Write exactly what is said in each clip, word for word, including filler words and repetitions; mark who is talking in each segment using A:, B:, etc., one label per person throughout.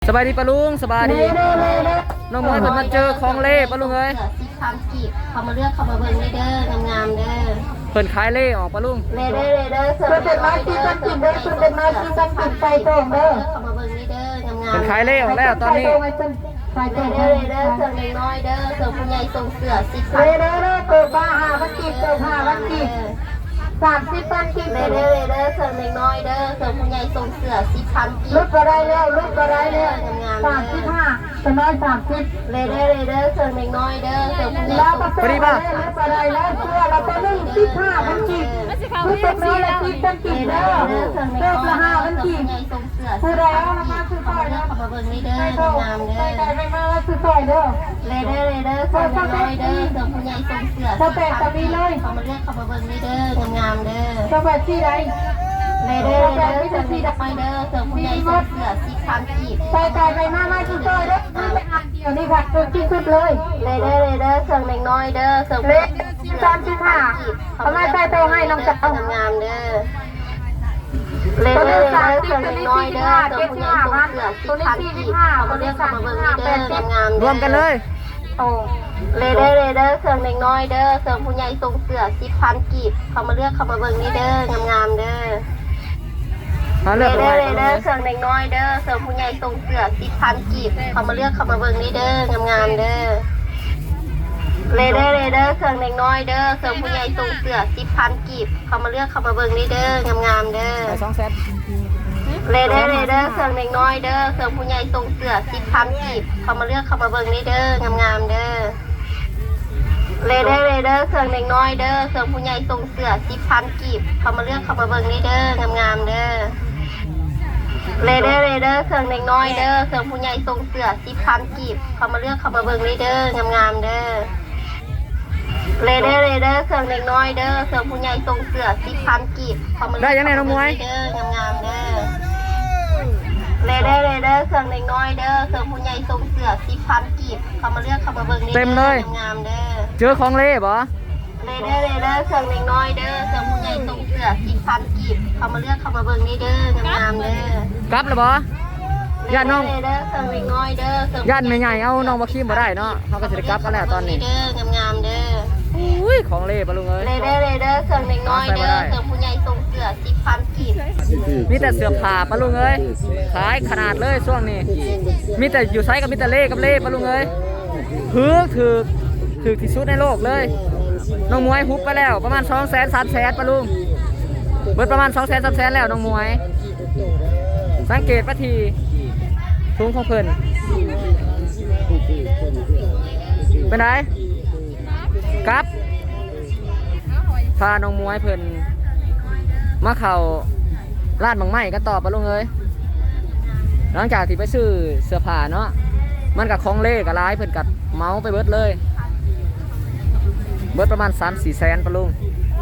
A: บายดีปะลุงสบายดีน้องมวยเพิ่นมาเจอของเล่ปะลุงเอ้ย
B: สิบคำกีบเขามาเลือกเขามาเบิ่งเด้องามๆเด้อ
A: เพิ่นขายเล่ออกปะลุง
B: เด้อเด้อเด้อเพิ่นเป็นไม้ที่ต้องกินเด้อเพิ่นเป็นไม้ที่ต้องกินไปตรงเด้อเขามาเบิ่งเด้องามๆ
A: เพิ่นขายเล่ออกแล้วตอนนี้
B: เด้อเด้อเด้อเด้อเสือน้อยเด้อเสือผู้ใหญ่ทรงเสือสิบคำเด้อเด้อเด้อเกิดมาหาวันกีบเกิดหาวันกีบสามสิบพันกีบเด้อเด้อเด้อเสือน้อยเด้อเสือผู้ใหญ่ทรงเสือสิบพันกีบลุกก็ได้แล้วลุกก็ได้แล้วสามสิบห้าเสือน้อยสามสิบเด้อเด้อเด้อเสือน้อยเด้อเสือผู้ใหญ่ทรงเสือ
A: พอดีป่ะ
B: ลุกก็ได้แล้วเสือเราเป็นหนึ่งสิบห้าพันกีบลุกเป็นน้อยละกีบเป็นกีบเด้อเสือละห้าพันกีบผู้ใดเอามาซื้อซอยเด้อมาเบิ่งนี่เด้องามเด้อใครไปมาซื้อซอยเด้อเด้อเด้อเด้อเสือน้อยเด้อเสือผู้ใหญ่ทรงเสือเขาแปดตะมีเลยเขามาเรียกเขามาเบิ่งนี่เด้องามเด้อสวัสดีไรเด้อเด้อเด้อเสือสีดำไปเด้อเสือผู้ใหญ่ทรงเสือสิบพันกีบใส่ใจไปมามาซื้อซอยเด้อไปอ่านเดียวนี่ค่ะตัวที่สุดเลยเด้อเด้อเด้อเสือน้อยเด้อเสือเล็กสามสิบห้าเขาไม่ใส่ตัวให้น้องจับงามเด้อเลเดอร์เสือน้อยเด้อเสือผู้ใหญ่ทรงเสือสิบพันกีบเขามาเรียกเขามาเบิ่งนี่เด้องาม
A: รวมกันเลย
B: โอ้เลเดอร์เลเดอร์เสือน้อยเด้อเสือผู้ใหญ่ทรงเสือสิบพันกีบเขามาเลือกเขามาเบิ่งนี่เด้องามๆเด้อเลเดอร์เลเดอร์เสือน้อยเด้อเสือผู้ใหญ่ทรงเสือสิบพันกีบเขามาเลือกเขามาเบิ่งนี่เด้องามๆเด้อเลเดอร์เลเดอร์เสือน้อยเด้อเสือผู้ใหญ่ทรงเสือสิบพันกีบเขามาเลือกเขามาเบิ่งนี่เด้องามๆเด้อ
A: สองเซต
B: เลเดอร์เลเดอร์เสือน้อยเด้อเสือผู้ใหญ่ทรงเสือสิบพันกีบเขามาเลือกเขามาเบิ่งนี่เด้องามๆเด้อเลเดอร์เลเดอร์เสือน้อยเด้อเสือผู้ใหญ่ทรงเสือสิบพันกีบเขามาเลือกเขามาเบิ่งนี่เด้องามๆเด้อเลเดอร์เลเดอร์เสือน้อยเด้อเสือผู้ใหญ่ทรงเสือสิบพันกีบเขามาเลือกเขามาเบิ่งนี่เด้องามๆเด้อเลเดอร์เลเดอร์เสือน้อยเด้อเสือผู้ใหญ่ทรงเสือสิบพันกีบเขามาเลือก
A: ได้ยังไงน้องมวย
B: เด้องามๆเด้อเลเดอร์เลเดอร์เสือน้อยเด้อเสือผู้ใหญ่ทรงเสือสิบพันกีบเขามาเลือกเขามาเบิ่งนี่เต็มเลยงามเด้อ
A: เจอของเล่บ่
B: เลเดอร์เลเดอร์เสือน้อยเด้อเสือผู้ใหญ่ทรงเสือสิบพันกีบเขามาเลือกเขามาเบิ่งนี่เด้องามเด้
A: อกลับแล้วบ่ญาติน้อง
B: เลเดอร์เสือน้อยเด้อ
A: ญาติไม่ใหญ่เอาน้องมาขี้บ่ได้เนาะเขาก็สิได้กลับกันแล้วตอนนี้
B: เด้องามๆเด้อ
A: อุ้ยของเล่ปะลุงเอ้ย
B: เลเดอร์เลเดอร์เสือน้อยเด้อเสือผู้ใหญ่ทรงเสือสิบพันกีบ
A: มีแต่เสื้อผ้าปะลุงเอ้ยขายขนาดเลยช่วงนี้มีแต่อยู่ไซส์กับมีแต่เล่กับเล่ปะลุงเอ้ยถือถือถือที่สุดในโลกเลยน้องมวยฮุบไปแล้วประมาณสองแสนสามแสนปะลุงเบิดประมาณสองแสนสามแสนแล้วน้องมวยสังเกตปะทีทุ่งของเพิ่นเป็นไงครับพาน้องมวยเพิ่นมาเข่าลาดบางไม้กันต่อปะลุงเอ้ยหลังจากที่ไปซื้อเสื้อผ้าเนาะมันกับของเล่กับร้ายเพิ่นกัดเมาไปเบิดเลยเบิดประมาณสามสี่แสนปะลุง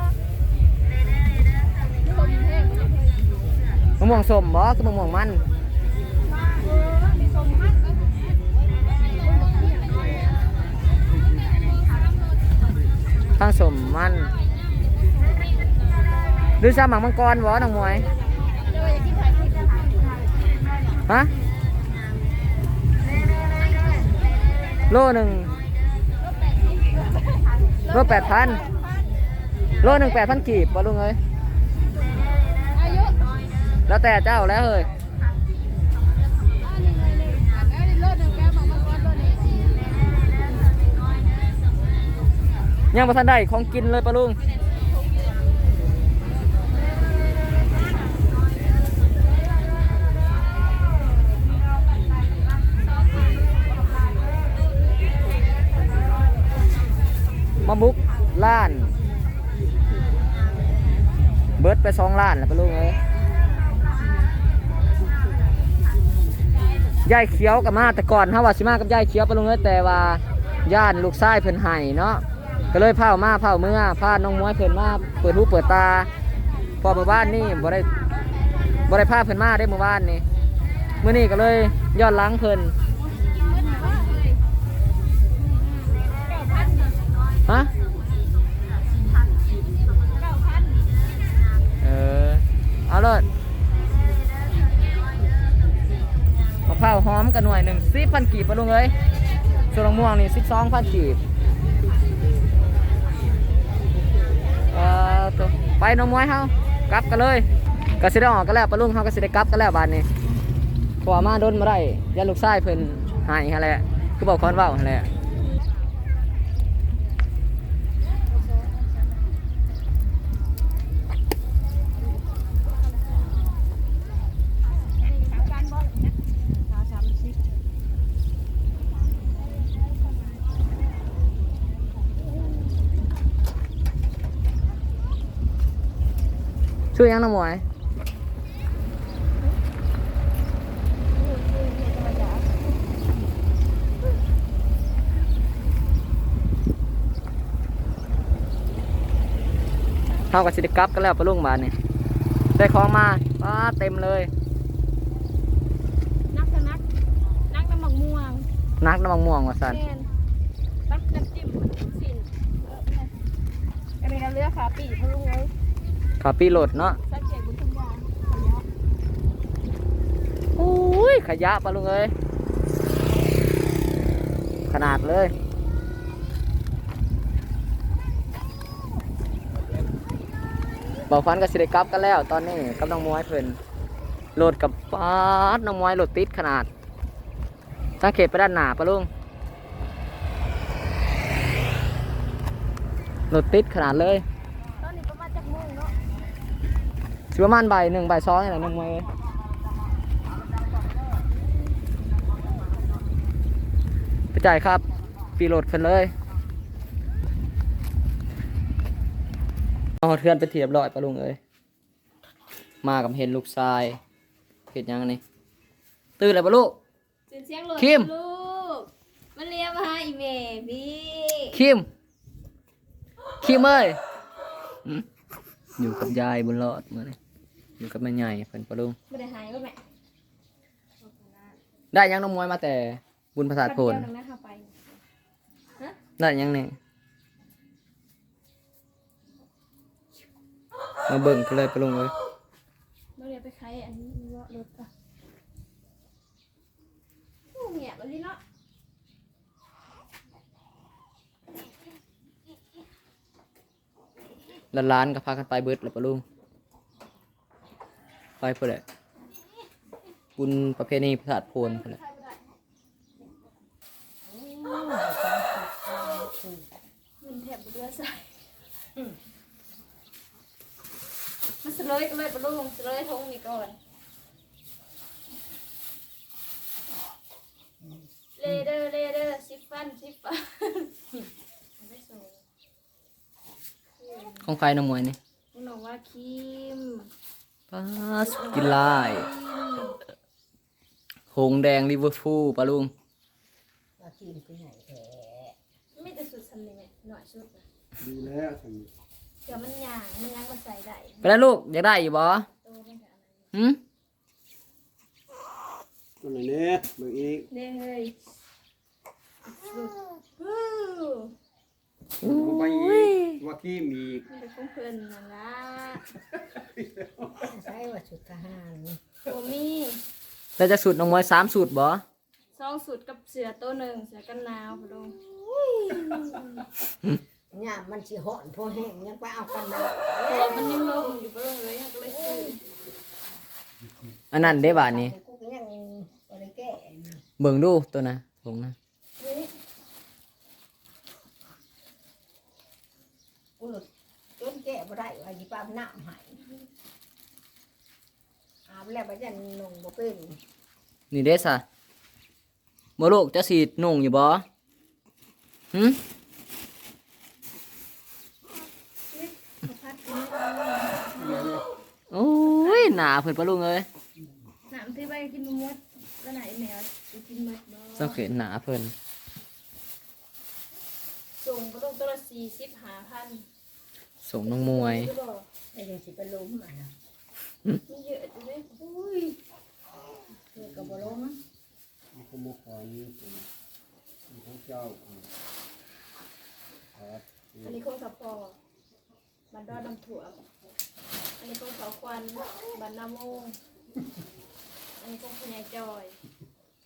A: มะม่วงส้มบ่คือมะม่วงมันทั้งสมมันดูซาหมังมังกรวะน้องมวยฮะโลหนึ่งโลแปดพันโลหนึ่งแปดพันกีบวะลุงเอ้ยแล้วแต่เจ้าแล้วเฮ้ยยังมาทันได้ของกินเลยปะลุงมาบุกล้านเบิร์ดไปสองล้านแล้วปะลุงเอ้ยยายเขียวกับมาแต่ก่อนฮะว่าสิมากับยายเขียวปะลุงเอ้ยแต่ว่าย่านลูกชายเพิ่นให้เนาะก็เลยเผามาเผาเมื่อพาน้องมวยเพิ่นมาเปิดหูเปิดตาพอเมื่อวานนี่บ่ได้บ่ได้พาเพิ่นมาได้เมื่อวานนี่เมื่อนี้ก็เลยย้อนหลังเพิ่นฮะเออเอาเลยมาพร้าวหอมกันหน่วยหนึ่งสิบพันกีบปะลุงเอ้ยส่วนมะม่วงนี่สิบสองพันกีบเอ่อตัวไปน้องมวยเฮากลับกันเลยก็สิได้ออกกันแล้วปะลุงเฮาก็สิได้กลับกันแล้วบาดนี้ขวามาโดนมาได้ยันลูกชายเพิ่นหายหั่นแหละคือบอกคอนเว้าหั่นแหละช่วยยังน้องมวยเท่ากับสิได้กลับกันแล้วปะลุงบาทนี่ได้ของมาป้าเต็มเลย
B: นักกันนักนักน้ำหมักม่วง
A: นักน้ำมันม่วงว่ะสัน
B: แมนปักน้ำจิ้มสินอันนี้เราเลือกขาปีกพะลุงเลย
A: ขาปีโหลดเนาะ
B: สักเจ็ดบุญคุณยาขยะ
A: โอ้ยขยะปะลุงเอ้ยขนาดเลยบอกฟันกับสิได้กลับกันแล้วตอนนี้กับน้องมวยเพิ่นโหลดกับป้าดน้องมวยโหลดติดขนาดสังเกตไปด้านหน้าปะลุงโหลดติดขนาดเลย
B: ตอนนี้ประมาณจักโมงเนาะ
A: สิประมาณบ่ายหนึ่งบ่ายสองนี่แหละน้องมวยเอ้ยไปจ่ายครับปีโหลดเพิ่นเลยเอาเทือนไปเทียบร้อยปะลุงเอ้ยมากับเห็นลูกชายเห็นยังนี่ตื่นเลยปะลูก
B: เสียงเสียงหลด
A: คิม
B: ลูกมันเรียกมาหาอีเมพี่
A: คิมคิมเอ้ยหืมอยู่กับยายบนรอดมาเลยอยู่กับแม่ใหญ่เพิ่นปะลุง
B: ไม่ได้หายก็แม่
A: ได้ยังน้องมวยมาแต่บุญประสาทโพน
B: แป๊บเดียวนึงนะเข้าไปฮะ
A: ได้ยังนี่มาเบิ่งกันเลยปะลุงเอ้ย
B: เราเรียกไปใครอันนี้มีว่ารถป่ะโอ้เงียบเลยเนาะ
A: ล้านๆก็พากันไปเบิดแล้วปะลุงไปเพื่อแหละบุญประเพณีประสาทโพนเพื่อแหละ
B: มันแถบบุเรือใส่มันสเลยก็เลยปะลุงสเลยทงนี่ก่อนเลเดอร์เลเดอร์ซิฟฟันซิฟฟันไม่ส่ง
A: ของไฟน้องมวยนี่
B: คุณบอกว่าคิม
A: ป้าสกินไลายหงแดงลิเวอร์พูลปะลุง
C: ว่ากินไปไหนแท้
B: ไม่แต่สุดสำเนียงหน่อยชุดนะ
D: ดีแล้วท
B: เดี๋ยวมันย่างมันย่างมาใส่ได้
A: ไปแล้วลูกอยากได้อยู่บ่
B: โตมันจะอะไร
A: หืม
D: ำตัวไหนเนี่ยเบิ่งอีก
B: เด้เฮ้ยสุดวู้
D: บ่ไปอีกว่าขี้มีอีก
B: มันเป็นของเพื่อนนั่นละ
C: ใช่ว่าชุดทหาร
B: โอมี่
A: แล้วจะสูตรน้องมวยสามสูตรบ่
B: ซองสุดกับเสือตัวหนึ่งเสือกันหนาวพะลุง
C: เนี่ยมันสิห่อนพอแห้งยังไปเอากันนะ
B: แต่มันยังลงอยู่พะลุงเลยก็เลยซื้อ
A: อันนั้นได้บาทนี้
C: กูก็ยังบ่ได้แก้
A: เบิ่งดูตัวนะผงนะ
B: เฮ้ย
C: กูหลุดจนแก้บ่ได้ว่าสิปาน้ำให้อาบแล้วบ่ยันนุ่งบ่เป็น
A: นี่เด้ซะบ่ลูกจะสีดนุ่งอยู่บ่หืม
B: มาพัดกิน
A: โอ้ยหนาเพิ่นปะลุงเอ้ย
B: น้ำที่ไปกินมดก็ไหนแมวกินมดบ่
A: สังเกตหนาเพิ่น
B: ส่งก็ต้องตัวละสี่สิบห้าพัน
A: ส่งน้องมวย
B: รู้บ่
C: ไอ้ยังสิไปล้มอ่ะนะ
B: มันเยอะจังเลยอุ้ย
C: เพื่อก็บ่ล้ม
D: มันขโมยของนี่เป็นของเจ้าครับ
B: อันนี้ของสปอบันดอดน้ำถั่วอันนี้ของสาวควันบันนาโมงอันนี้ของพญายจอย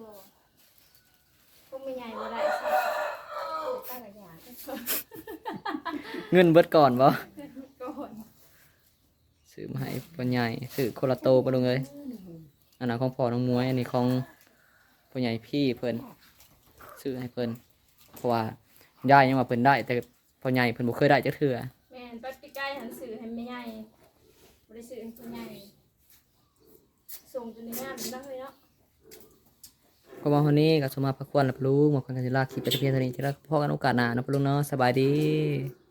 E: พวกไม่ใหญ่บ่ได้ใช่ตั้งแต่อย่าง
A: เงินเบิดก่อนบ่
E: ก่อน
A: ซื้อมาให้พ่อใหญ่ซื้อโคลาโตปะลุงเอ้ยอันนั้นของพ่อน้องมวยอันนี้ของพ่อใหญ่พี่เพิ่นซื้อให้เพิ่นเพราะว่าได้ยังว่าเพิ่นได้แต่พ่อใหญ่เพิ่นบ่เคยได้จักเทื่อ
E: แม่นปัดปีใกล้หันสื่อให้ไม่ใหญ่บ่ได้สื่อให้ผู้ใหญ่ส่งจนในงานมันได้เลยเนาะ
A: ก็มาวันนี้ก็สมมาพักควรแล้วปะลุงมาพักกันจะลากคลิปไปแต่เพียงเท่านี้จะลาพ่อกันโอกาสหน้าเนาะปะลุงเนาะสบายดี